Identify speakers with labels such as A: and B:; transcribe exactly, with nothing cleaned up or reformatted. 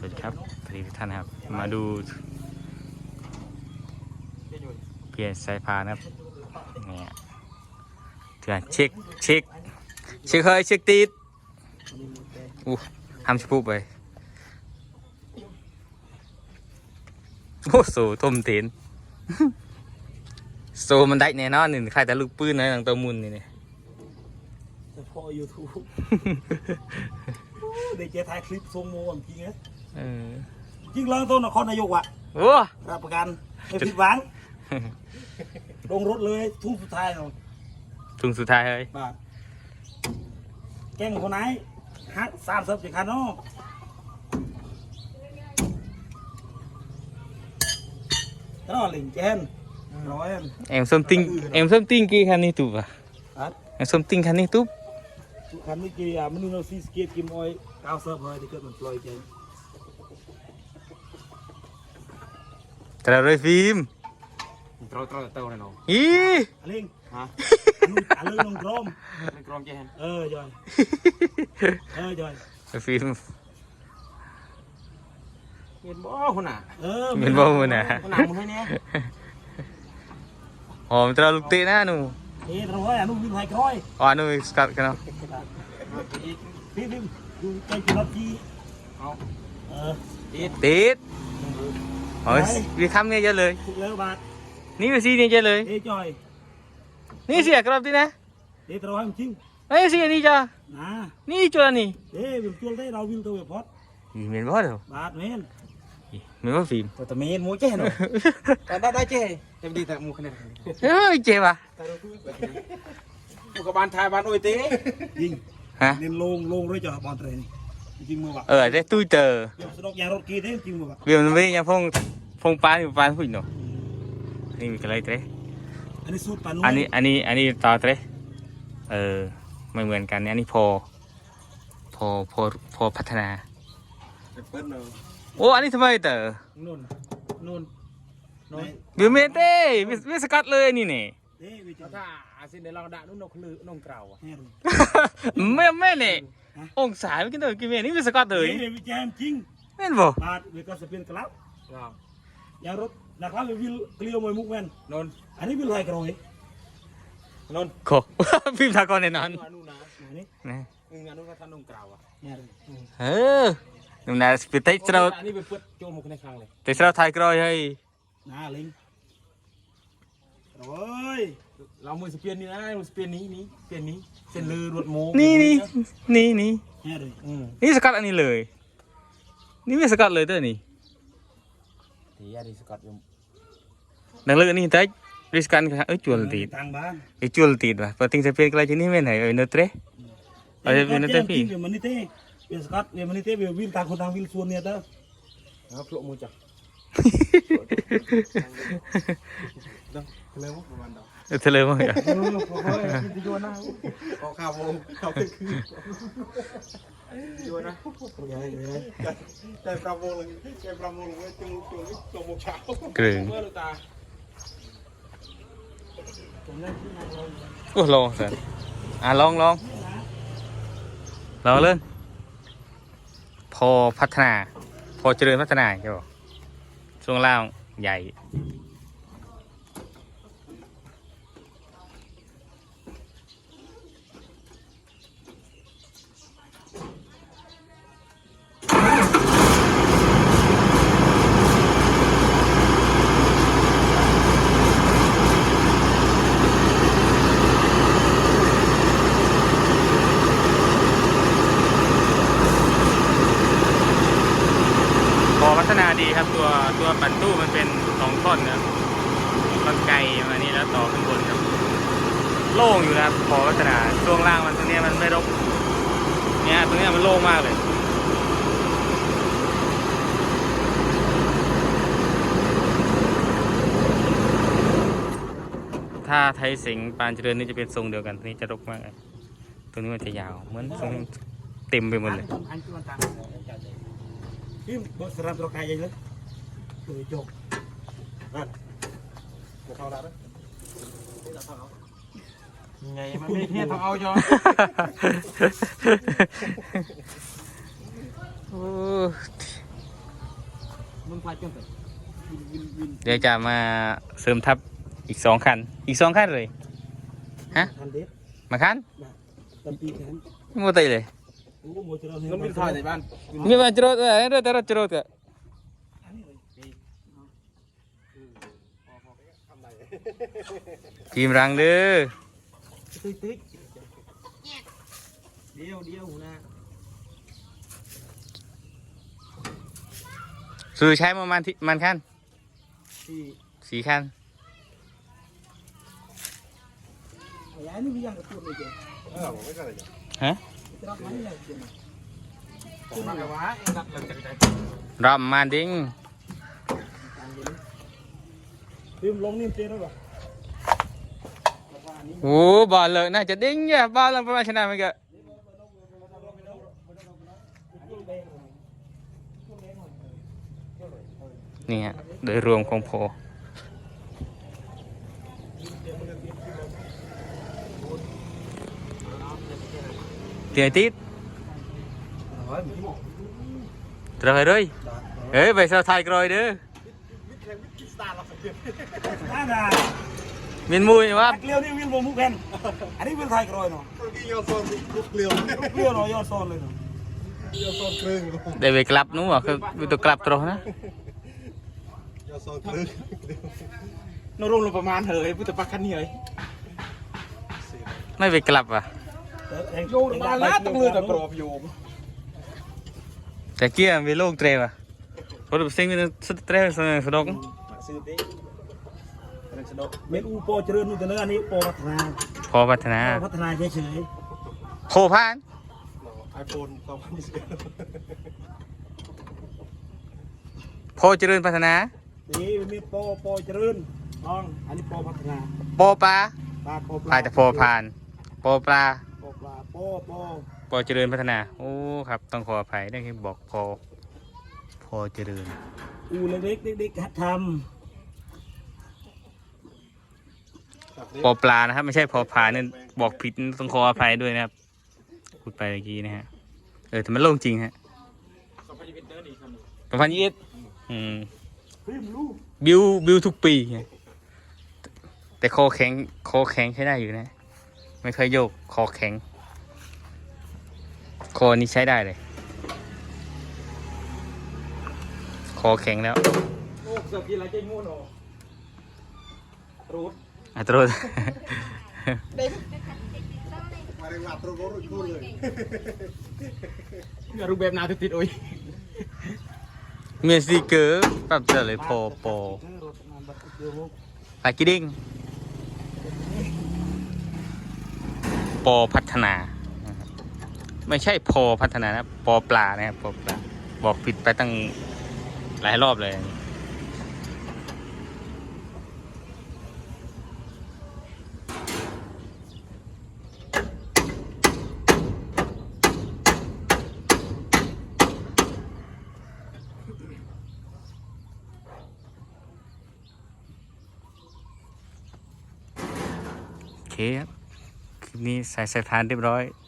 A: วัสดีครับสวัสดีทุกท่านครับมาดูเปลี่ยนสายพานครับเนี่ยเถื่อนเช็คเช็คเช็คเฮ้ยเช็คตีดอู้ทำชิบุบไปโอ้โหทุ่มตีนโซมันได้แน่นอนนี่ใครแต่ลูกปืนนะหลังตัวมุนนี่เนี่ย
B: เฉพาะยูทูบเด็กจะถ่ายคลิปทรงโมงจริงเหรอจริงเรื่องต้นนครนายกอ่ะ
A: โอ้
B: รับประกันไม่ผิดหวังลงรถเลยทุ่งสุดท้ายเนาะ
A: ทุ่งสุดท้ายเลย
B: บาทแกงคนไหนฮักสามสิบจีคันเนาะแล้วหลิงแกนร้อย
A: เอ็มส้มติ้งเอ็มส้มติ้งกี่คันนี่ตุ๊บอะเอ็มส้มติ้งคันนี้ตุ๊บ
B: คันนี้กี่อ่ะมันนู่นซีสเก็ตกิมออยเก้าสิบเลยที่เกิดมันปล่อยแกน
A: แต่เราเลยฟิล์ม
C: ตรอตรอเต้าเลยเนาะ
A: อี
B: อลิงฮะอลิงลงกรม
C: ลงกรมแกน
B: เออจอยเออจอย
A: ฟิล์ม
C: เห็นบ่คนน่ะ
A: เออเห็นบ่คนน่ะ
C: คนน่ะมึงให้เนี่ย
A: หอมตราลูกเตะนะหนู
B: เฮ้ยเราไอ้หนูวิ่งไฮคอย
A: อ๋อหนูสกัดกันเนาะ
B: พี่พี่ดูใจจุดที่
C: เอา
B: เออ
A: ติดติดโอ้ยวิคัมเนี่ยเยอะเลย
B: เลิกบาท
A: นี่วิซีเนี่ยเยอะเลย
B: เฮ้ยจอย
A: นี่เสียกรอบดินะ
B: เฮ้ยเราให้มันจริง
A: เฮ้ยเสียนี่จ้ะ
B: นะ
A: นี่จุดนี่
B: เฮ้ยวิ่งจุดได้เราวิ่งตัวแบบพอด
A: เหม็นบ่เด้อบ
B: าทเมน
A: เหม็นบ่ฟิล์ม
B: แต่เมนมูเจ้เนาะแต่ได้ได้เจ้
C: จะดีแต่มูขนาด
A: เฮ้ยเจ็บอ่ะ
C: มูกับบานไทยบานโอยเต้
B: ยิงฮะเน้นลงลงด้วยจ่อบอลเทรนจริงมั้งวะ
A: เออได้ตู้เจอ
B: สนุกยางรถกีเต้จริงมั้งวะ
A: เดี๋ยวมันไม่ยังพงพงปานอยู่ปานหุ่นเนาะนี่มีอะไรเต้
B: อันนี้สูตรปาน
A: อันนี้อันนี้อันนี้ต่อเต้เออไม่เหมือนกันอันนี้พอพอพอพอพัฒนาโอ้อันนี้ทำไมเต๋อ
B: นู่นนู่น
A: นู่นบิวเมเต้วิสกัดเลยนี่เนี่ย
C: ถ้าอาเซียนเดี๋ยวเราด่านุ่นนกลือนงเกล่าอ่ะ
A: ไม่ไม่เนี่ยองศาไม่กินตัวกินเมนี่วิสกัดเลย
B: วิจัยจริง
A: แม่นบ่
B: บาดวิกัสเป็นกลับยารถนะครับวิลเกลียวมวยมุกแมน
C: นน
B: อันนี้วิลไฮกรอย
C: นน
A: โคฟิล์มทากรในนั้น
C: นี่นี่งานนุ่นก็ทำนงเกล่าอ่ะ
A: เออนุ่มน่าสปิดเตะเรา
C: อันนี้เป็นเปิดโจมุกในครั้งเลย
A: เตะเราไทยกรอยให้
B: น่าลิงโอ้ย
C: เรามือสเปียนนี่นะมือสเปียนนี้นี้สเปียนนี้เส้นลือรวดโม
A: นี่นี่นี่นี่นี่สกัดอันนี้เลยนี่ไม่สกัดเลยเด้อนี่
C: ที่ยาดีสกัดอยู่
A: ดังเลือนี่แต่ริสกันเอ้ยจวนตีดไอ้จวนตีดว่ะพอทิ้งสเปียนกลายจะนี่ไม่ไหนเอ้ยเนตเร่เอาจะเป็นเนตพี่
B: มันนี่เต้เบียสกัดเบียมันนี่เต้เบียวิ่งตามคนทางวิ่งส่วนเนี่ยเด้อ
C: ครับโผล่มือจับทะเลมั้งประมาณดอก
A: ทะเลมั้งอ่ะ
C: โอ้ยที่โยนนะเขาข้าวโมเขาคือโยนนะใจปลาโมเลยใจปลาโมเลยจุงจุงจุงโมเช้าก
A: รึงโอ้ลองสิอ่ะลองลองลองเล่นพอพัฒนาพอเจริญพัฒนาใช่ป่ะช่วงล่างใหญ่พัฒนาดีครับตัวตัวปั่นตู้มันเป็นสองท่อนนะต้นไก่มานี่แล้วต่อขึ้นบนครับโล่งอยู่นะครับพอพัฒนาช่วงล่างมันตรงนี้มันไม่รกเนี่ยตรงนี้มันโล่งมากเลยถ้าไทยสิงห์ปานเจริญนี่จะเป็นทรงเดียวกันตัวนี้จะรกมากเลยตัวนี้มันจะยาวเหมือนทรงเต็มไปหมดเลย
B: พี่บอสรับตัวกายยังเลยตัวจบนั่นจะเข้าแล้ว
C: ไงมันไม่เที่ยต้องเอาจอ
A: โอ้
B: มันพายจังเลยวินวินวิน
A: เดี๋ยวจะมาเสริมทัพอีกสองคันอีกสองคันเลยฮะ
B: ทันเด็ด
A: มาคัน
B: ตันปีแขน
A: ไม่หมดเลย
B: โอ้โหจะเรา
C: น้องวินถ่ายในบ้าน
A: มีมาจรดอะไรเรื่องแต่รถจรดก็ทีมรังเด้อ
B: ตึ๊ดตึ๊ดเดียวเดียวหัวหน้า
A: ซื้อใช้ประมาณที่มันคัน
B: ที่
A: สี่คัน
B: ย้ายนี่มีอย่างกระตุ้นเลยเจ้
C: เออผมไม่ใช่เลย
A: ฮะ
B: จะรับมันเลยเจ้
C: ผมมากระวะรับหลังจากใจ
A: รอบมาดิ้ง
B: ลืมลงนิ่มเจ้แล้วหรอ
A: โอ้บอลเลยน่าจะดิ้งเนี่ยบอลลงประมาณชนะมันก็นี่ฮะโดยรวมของโพเตียติดตรายเลยเฮ้ยไปเซาไทยกรอยเด้อ
B: น่าด่า
A: มินมุยว่า
B: เกลียวนี่วินโบมุกแผ่นอันนี้วินไทยกรอยเนาะ
C: ที่ยอดโซนลูกเกลียว
B: เกลียวเนาะยอดซอนเลยเนาะ
C: ยอดโซนครึ่ง
A: ได้ไปกลับนู้นอ่ะคือวิตัวกลับตรงนะ
C: ยอดโซนครึ่ง
B: นรุ่งลงประมาณเถอะพุทธปักขันนี่เลย
A: ไม่ไปกลับอ่ะ
B: โยนมาแล้วต้องเลยแต่กรอบโยม
A: แต่เกี้ยมีโลกเตรว่ะเพราะสิ่งนี้สุดเตรสนุกสนุก
B: ซื้อเต้เมนูโปรเจริญนู่นแต่เนื้ออันนี้โปรพัฒนา
A: พอพัฒนา
B: พัฒนาเฉย
A: โพพาน
C: ไอโฟนสองพันยี่สิบเอ็ด
A: โพเจริญพัฒนา
B: ๆนี่มีโปรโปรเจริญน้องอันนี้โปรพัฒนา
A: โปปลา
B: ปลาโปรป
A: พา
B: ลา
A: แต่โพพานโปปลา
B: โปรปลาโปรโปร
A: โพเจริญพัฒนาโอ้ครับต้องขออภัยได้ที่บอกโพโพเจริญ
B: อูเล็กๆเด็กๆหัดท
A: โปปลานะครับไม่ใช่โพพานนี่บอกผิดต้องขออภัยด้วยนะครับพูดไปเมื่อกี้นะฮะเออแต่มันโล่งจริงฮะสองพันยี่สิบเอ็ดสองพันยี่สิบเอ็ดอืม
B: ำพิมพ์ลูก
A: บิวบิวทุกปีไงแต่คอแข็งคอแข็งใช้ได้อยู่นะ ไม่เคยโยกคอแข็งคอนี้ใช้ได้เลยคอแข็งแล้ว
B: โอ้เสือกินอะไรใจงูหนอรูด
A: อัตโรด
C: มาเรียกว่าตรงรุ่นรุ่นเลย
B: รูปแบบนาติดโอ้ย
A: เมียซีเกอร์ปรับเจอเลยโปโปปากิดิ้งโปพัฒนานะครับไม่ใช่โพพัฒนานะโปปลานะครับโปปลาบอกผิดไปตั้งหลายรอบเลยโอเคครับคลิปนี้ใส่สายพานเรียบร้อย